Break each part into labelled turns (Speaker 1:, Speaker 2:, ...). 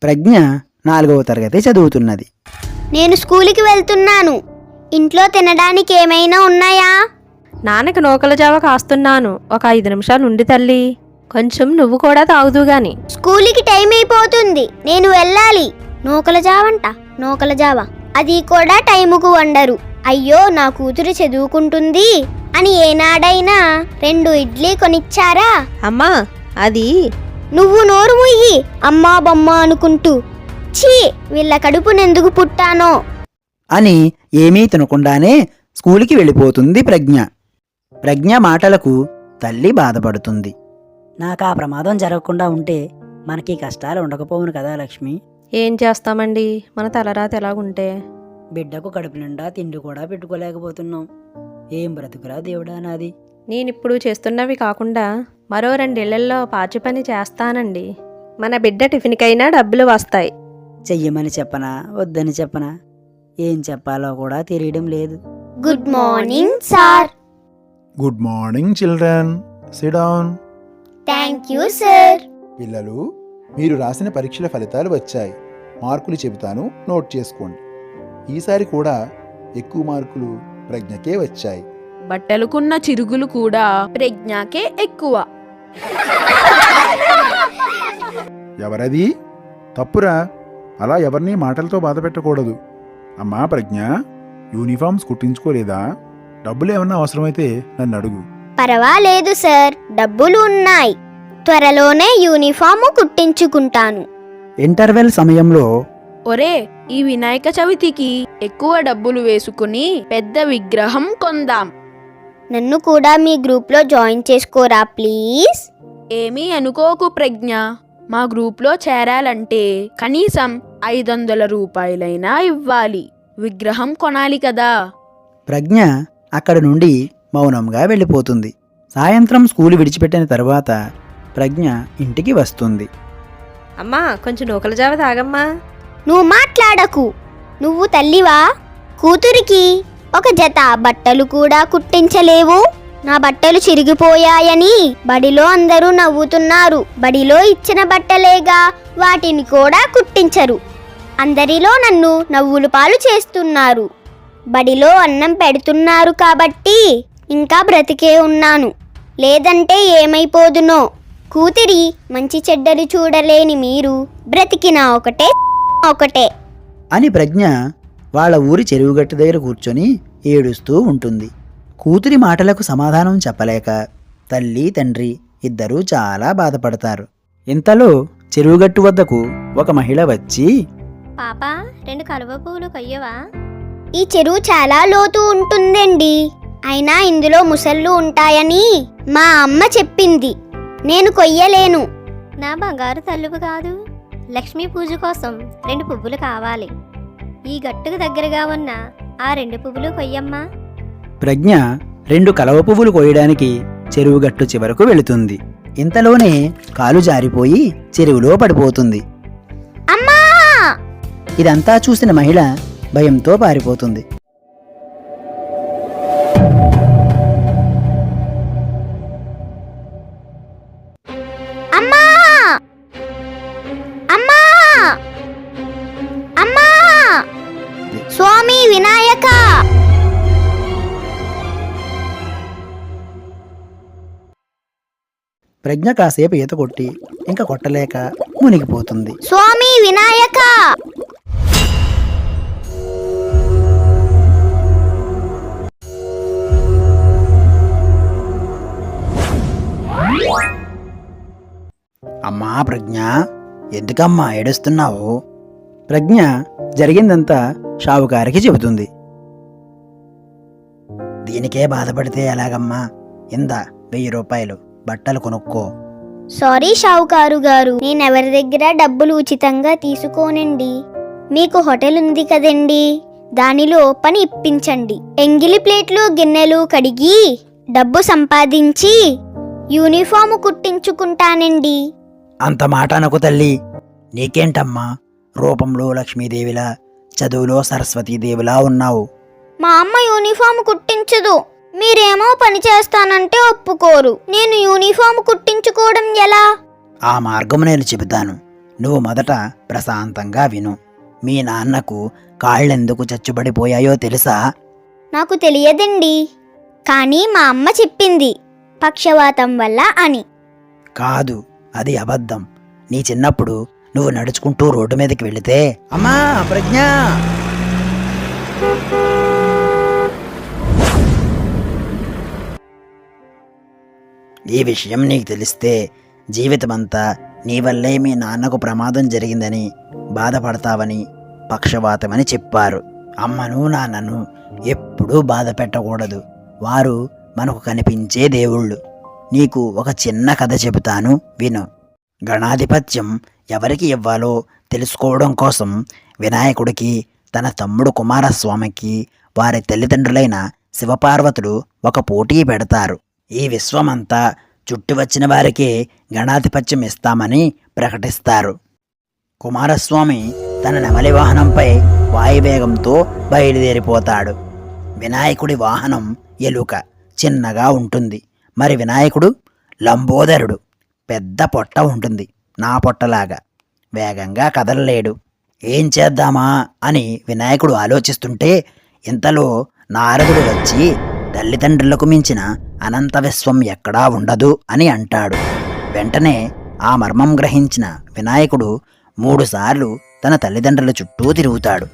Speaker 1: ప్రజ్ఞ 4వ తరగతి చదువుతున్నది.
Speaker 2: నేను స్కూలుకి వెళ్తున్నాను. ఇంట్లో తినడానికి ఏమైనా ఉన్నాయా?
Speaker 3: నాన్నకి నూకల జావ కాస్తున్నాను. ఒక 5 నిమిషాలు ఉండి తల్లి. కొంచెం నువ్వు కూడా తాగుదు గాని.
Speaker 2: స్కూలుకి టైం అయిపోతుంది, నేను వెళ్ళాలి. నూకల జావంట, నూకల జావ, అది కూడా టైముకు వండరు. అయ్యో, నా కూతురు చదువుకుంటుంది అని ఏనాడైనా 2 ఇడ్లీ కొనిచ్చారా?
Speaker 3: అమ్మా, అది
Speaker 2: నువ్వు నోరు ముయ్యి, అమ్మా బొమ్మ అనుకుంటూ. ఛీ, వీళ్ళ కడుపునెందుకు పుట్టానో
Speaker 1: అని ఏమీ తినకుండానే స్కూలుకి వెళ్ళిపోతుంది ప్రజ్ఞ. ప్రజ్ఞ మాటలకు తల్లి బాధపడుతుంది.
Speaker 4: నాకా ప్రమాదం జరగకుండా ఉంటే మనకి కష్టాలు ఉండకపోవును కదా లక్ష్మి.
Speaker 3: ఏం చేస్తామండి, మన తలరాత ఎలాగుంటే.
Speaker 4: బిడ్డకు కడుపు నిండా తిండి కూడా పెట్టుకోలేకపోతున్నాం. ఏం బ్రతుకురా దేవుడా నాది.
Speaker 3: నేనిప్పుడు చేస్తున్నవి కాకుండా మరో 2 ఇళ్లల్లో పాచి పని చేస్తానండి. మన బిడ్డ టిఫిన్కైనా డబ్బులు వస్తాయి.
Speaker 4: చెయ్యమని చెప్పనా వద్దని చెప్పనా, ఏం చెప్పాలో కూడా తెలియడం లేదు.
Speaker 2: Good morning sir.
Speaker 5: Good morning children, sit down.
Speaker 2: Thank you sir.
Speaker 5: పిల్లలు, మీరు రాసిన పరీక్షల ఫలితాలు వచ్చాయి. మార్కులు చెబుతాను, నోట్ చేసుకోండి. ఈసారి కూడా ఎక్కువ మార్కులు ప్రజ్ఞకే వచ్చాయి.
Speaker 6: బట్టలుకున్న చిరుగులు కూడా ప్రజ్ఞకే ఎక్కువ.
Speaker 5: ఎవరది? తప్పురా, అలా ఎవరినీ మాటలతో బాధ పెట్టకూడదు. అమ్మా ప్రజ్ఞ, యూనిఫామ్స్ కుట్టించుకోలేదా? డబ్బులు ఏమన్నా అవసరమైతే నన్ను అడుగు.
Speaker 2: పర్వాలేదు సార్, డబ్బులు ఉన్నాయి. త్వరలోనే యూనిఫాము కుట్టించుకుంటాను.
Speaker 1: ఇంటర్వెల్ సమయంలో
Speaker 6: ఒరే, ఈ వినాయక చవితికి ఎక్కువ డబ్బులు వేసుకుని పెద్ద విగ్రహం కొందాం.
Speaker 2: నన్ను కూడా మీ గ్రూప్లో జాయిన్ చేసుకోరా ప్లీజ్.
Speaker 6: ఏమీ అనుకోకు ప్రజ్ఞ, మా గ్రూప్లో చేరాలంటే కనీసం 500 రూపాయలైనా ఇవ్వాలి. విగ్రహం కొనాలి కదా.
Speaker 1: ప్రజ్ఞ అక్కడి నుండి మౌనంగా వెళ్ళిపోతుంది. సాయంత్రం స్కూలు విడిచిపెట్టిన తరువాత ప్రజ్ఞ ఇంటికి వస్తుంది.
Speaker 3: అమ్మా, కొంచెం నూకల జావ తాగమ్మా.
Speaker 2: నువ్వు మాట్లాడకు. నువ్వు తల్లివా? కూతురికి ఒక జత బట్టలు కూడా కుట్టించలేవు. నా బట్టలు చిరిగిపోయాయని బడిలో అందరూ నవ్వుతున్నారు. బడిలో ఇచ్చిన బట్టలేగా, వాటిని కూడా కుట్టించరు. అందరిలో నన్ను నవ్వులు పాలు చేస్తున్నారు. బడిలో అన్నం పెడుతున్నారు కాబట్టి ఇంకా బ్రతికే ఉన్నాను, లేదంటే ఏమైపోదునో. కూతురి మంచి చెడ్డలు చూడలేని మీరు బ్రతికినా ఒకటే
Speaker 1: అని ప్రజ్ఞ వాళ్ళ ఊరి చెరువుగట్టు దగ్గర కూర్చొని ఏడుస్తూ ఉంటుంది. కూతురి మాటలకు సమాధానం చెప్పలేక తల్లి తండ్రి ఇద్దరూ చాలా బాధపడతారు. ఇంతలో చెరువుగట్టు వద్దకు ఒక మహిళ వచ్చి,
Speaker 2: పాపా, 2 కలువ పువ్వులు కొయ్యవా? ఈ చెరువు చాలా లోతు ఉంటుందండి. అయినా ఇందులో ముసళ్ళు ఉంటాయని మా అమ్మ చెప్పింది. నేను కొయ్యలేను.
Speaker 7: నా బంగారు తల్లువు కాదు. లక్ష్మీ పూజ కోసం 2 పువ్వులు కావాలి. ఈ గట్టుకు దగ్గరగా ఉన్న ఆ 2 పువ్వులు కొయ్యమ్మా.
Speaker 1: ప్రజ్ఞ 2 కలవ పువ్వులు కోయడానికి చెరువుగట్టు చివరకు వెళుతుంది. ఇంతలోనే కాలు జారిపోయి చెరువులో పడిపోతుంది.
Speaker 2: అమ్మా!
Speaker 1: ఇదంతా చూసిన మహిళ భయంతో పారిపోతుంది.
Speaker 2: అమ్మా! అమ్మా! అమ్మా! స్వామి వినాయక!
Speaker 1: ప్రజ్ఞ కాసేపు ఈత కొట్టి ఇంకా కొట్టలేక మునిగిపోతుంది.
Speaker 2: స్వామి వినాయక!
Speaker 1: అమ్మా ప్రజ్ఞ, ఎందుకమ్మా ఏడుస్తున్నావు? ప్రజ్ఞ జరిగిందంతా షావుకారికి చెబుతుంది. దీనికే బాధపడితే ఎలాగమ్మా? ఇందా 1000 రూపాయలు, బట్టలు కొనుక్కో.
Speaker 2: సారీ షావుకారు గారు, నేనెవరి దగ్గర డబ్బులు ఉచితంగా తీసుకోనండి. మీకు హోటల్ ఉంది కదండి, దానిలో పని ఇప్పించండి. ఎంగిలి ప్లేట్లు గిన్నెలు కడిగి డబ్బు సంపాదించి యూనిఫాము కుట్టించుకుంటానండి.
Speaker 1: అంత మాట అనకు తల్లి. నీకేంటమ్మా, రూపంలో లక్ష్మీదేవిలా, చదువులో సరస్వతీదేవిలా ఉన్నావు.
Speaker 2: మా అమ్మ యూనిఫామ్ కుట్టించదు. మీరేమో పని చేస్తానంటే ఒప్పుకోరు. నేను యూనిఫామ్ కుట్టించుకోవడం ఎలా?
Speaker 1: ఆ మార్గం నేను చెబుతాను. నువ్వు మొదట ప్రశాంతంగా విను. మీ నాన్నకు కాళ్ళెందుకు చచ్చుబడిపోయాయో తెలుసా?
Speaker 2: నాకు తెలియదండి, కానీ మా అమ్మ చెప్పింది పక్షవాతం వల్ల అని.
Speaker 1: కాదు, అది అబద్ధం. నీ చిన్నప్పుడు నువ్వు నడుచుకుంటూ రోడ్డు మీదకి వెళితే, అమ్మా ప్రజ్ఞ, ఈ విషయం నీకు తెలిస్తే జీవితమంతా నీ వల్లే మీ నాన్నకు ప్రమాదం జరిగిందని బాధపడతావని పక్షవాతమని చెప్పారు. అమ్మను నాన్నను ఎప్పుడూ బాధ పెట్టకూడదు. వారు మనకు కనిపించే దేవుళ్ళు. నీకు ఒక చిన్న కథ చెబుతాను, విను. గణాధిపత్యం ఎవరికి ఇవ్వాలో తెలుసుకోవడం కోసం వినాయకుడికి, తన తమ్ముడు కుమారస్వామికి, వారి తల్లిదండ్రులైన శివపార్వతులు ఒక పోటీ పెడతారు. ఈ విశ్వమంతా చుట్టి వచ్చిన వారికి గణాధిపత్యం ఇస్తామని ప్రకటిస్తారు. కుమారస్వామి తన నెమలి వాహనంపై వాయువేగంతో బయలుదేరిపోతాడు. వినాయకుడి వాహనం ఎలుక, చిన్నగా ఉంటుంది. మరి వినాయకుడు లంబోదరుడు, పెద్ద పొట్ట ఉంటుంది, నా పొట్టలాగా. వేగంగా కదలలేడు. ఏం చేద్దామా అని వినాయకుడు ఆలోచిస్తుంటే ఇంతలో నారదుడు వచ్చి, తల్లిదండ్రులకు మించిన అనంత విశ్వం ఎక్కడా ఉండదు అని అంటాడు. వెంటనే ఆ మర్మం గ్రహించిన వినాయకుడు 3 సార్లు తన తల్లిదండ్రుల చుట్టూ తిరుగుతాడు.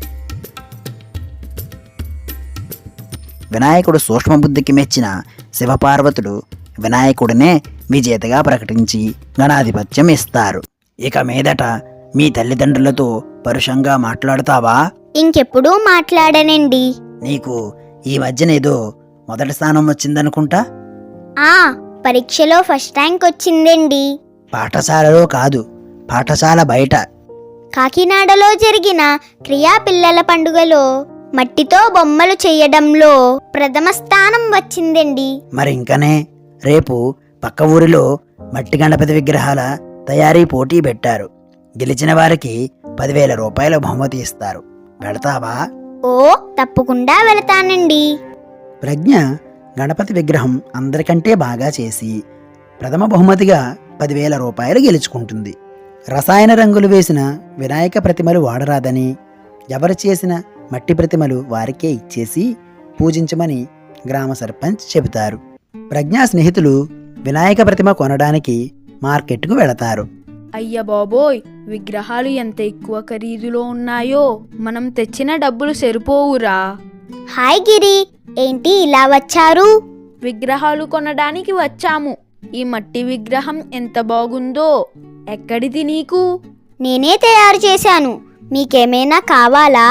Speaker 1: వినాయకుడు సూక్ష్మబుద్ధికి మెచ్చిన శివపార్వతులు వినాయకుడినే విజేతగా ప్రకటించి గణాధిపత్యం ఇస్తారు. ఇక మీదట మీ తల్లిదండ్రులతో పరుషంగా మాట్లాడతావా?
Speaker 2: ఇంకెప్పుడూ మాట్లాడనండి.
Speaker 1: నీకు ఈ మధ్యనేదో మొదటి స్థానం వచ్చిందనుకుంటా.
Speaker 2: ఆ పరీక్షలో ఫస్ట్ ర్యాంక్ వచ్చిందండి.
Speaker 1: పాఠశాలలో కాదు, పాఠశాల బయట.
Speaker 2: కాకినాడలో జరిగిన క్రియా పిల్లల పండుగలో మట్టితో బొమ్మలు చేయడంలో ప్రథమ స్థానం వచ్చిందండి.
Speaker 1: మరి ఇంకనే, రేపు పక్క ఊరిలో మట్టి గణపతి విగ్రహాల తయారీ పోటీ పెట్టారు. గెలిచిన వారికి 10,000 రూపాయల బహుమతి ఇస్తారు. వెళతావా?
Speaker 2: ఓ తప్పకుండా వెళతానండి.
Speaker 1: ప్రజ్ఞ గణపతి విగ్రహం అందరికంటే బాగా చేసి ప్రథమ బహుమతిగా 10,000 రూపాయలు గెలుచుకుంటుంది. రసాయన రంగులు వేసిన వినాయక ప్రతిమలు వాడరాదని, ఎవరు చేసిన మట్టి ప్రతిమలు వారికే ఇచ్చేసి పూజించమని గ్రామ సర్పంచ్ చెబుతారు. ప్రజ్ఞా స్నేహితులు వినాయక ప్రతిమ కొనడానికి మార్కెట్కు వెళతారు.
Speaker 6: అయ్య బాబోయ్, విగ్రహాలు ఎంత ఎక్కువ ఖరీదులో ఉన్నాయో, మనం తెచ్చిన డబ్బులు సరిపోవురా.
Speaker 2: హాయ్ గిరి, ఏంటి ఇలా వచ్చారు?
Speaker 6: విగ్రహాలు కొనడానికి వచ్చాము. ఈ మట్టి విగ్రహం ఎంత బాగుందో. ఎక్కడిది నీకు?
Speaker 2: నేనే తయారు చేశాను. మీకేమైనా కావాలా?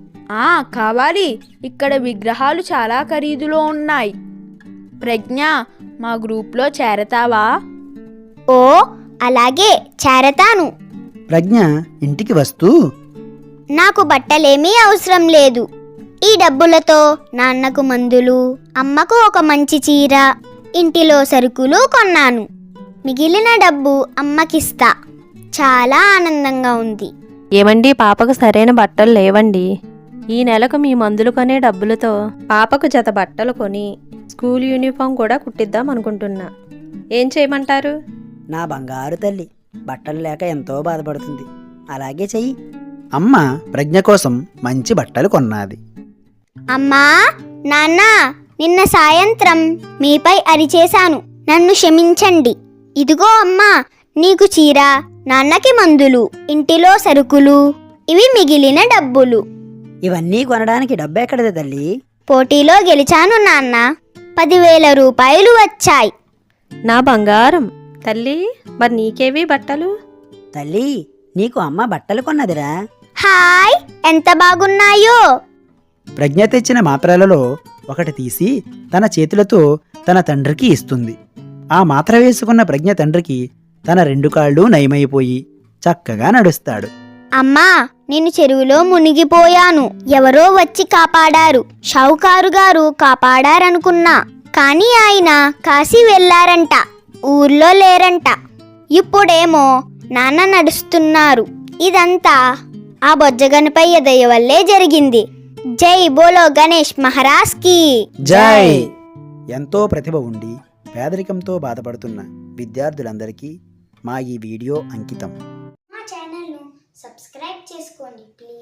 Speaker 6: కావాలి. ఇక్కడ విగ్రహాలు చాలా ఖరీదులో ఉన్నాయి. ప్రజ్ఞ, మా గ్రూప్లో చేరతావా?
Speaker 2: ఓ అలాగే, చేరతాను.
Speaker 1: ప్రజ్ఞ ఇంటికి వస్తూ,
Speaker 2: నాకు బట్టలేమీ అవసరం లేదు. ఈ డబ్బులతో నాన్నకు మందులు, అమ్మకు ఒక మంచి చీర, ఇంటిలో సరుకులు కొన్నాను. మిగిలిన డబ్బు అమ్మకిస్తా. చాలా ఆనందంగా ఉంది.
Speaker 3: ఏమండి, పాపకు సరైన బట్టలు లేవండి. ఈ నెలకు మీ మందులు కొనే డబ్బులతో పాపకు జత బట్టలు కొని స్కూల్ యూనిఫామ్ కూడా కుట్టిద్దాం అనుకుంటున్నా. ఏం చేయమంటారు?
Speaker 4: నా బంగారు తల్లి బట్టలు లేక ఎంతో బాధపడుతుంది. అలాగే చెయ్యి.
Speaker 1: అమ్మ ప్రజ్ఞ కోసం మంచి బట్టలు కొన్నది.
Speaker 2: అమ్మా, నాన్న, నిన్న సాయంత్రం మీపై అరిచేశాను. నన్ను క్షమించండి. ఇదిగో అమ్మా, నీకు చీర, నాన్నకి మందులు, ఇంటిలో సరుకులు, ఇవి మిగిలిన డబ్బులు.
Speaker 4: ఇవన్నీ కొనడానికి డబ్బెక్కడది తల్లి?
Speaker 2: పోటీలో గెలిచాను నాన్న. 10,000 రూపాయలు వచ్చాయి.
Speaker 3: నా బంగారం తల్లి, మరి నీకేవి బట్టలు?
Speaker 4: తల్లి, నీకు అమ్మ బట్టలు కొన్నదిరా.
Speaker 2: హాయ్, ఎంత బాగున్నాయో.
Speaker 1: ప్రజ్ఞ తెచ్చిన మాత్రలలో ఒకటి తీసి తన చేతులతో తన తండ్రికి ఇస్తుంది. ఆ మాత్ర వేసుకున్న ప్రజ్ఞ తండ్రికి తన 2 కాళ్ళు నయమైపోయి చక్కగా నడుస్తాడు.
Speaker 2: అమ్మా, నేను చెరువులో మునిగిపోయాను. ఎవరో వచ్చి కాపాడారు. షావుకారు గారు కాపాడారనుకున్నా, కానీ ఆయన కాశీ వెళ్లారంట, ఊర్లో లేరంట. ఇప్పుడేమో నాన్న నడుస్తున్నారు. ఇదంతా ఆ బొజ్జగనపయ్య దయ వల్లే జరిగింది. జై బోలో గణేష్ మహారాజ్ కి
Speaker 1: జై. ఎంతో ప్రతిభ ఉండి పేదరికంతో బాధపడుతున్న విద్యార్థులందరికీ మా ఈ వీడియో అంకితం.
Speaker 2: చేసుకోండి ప్లీజ్.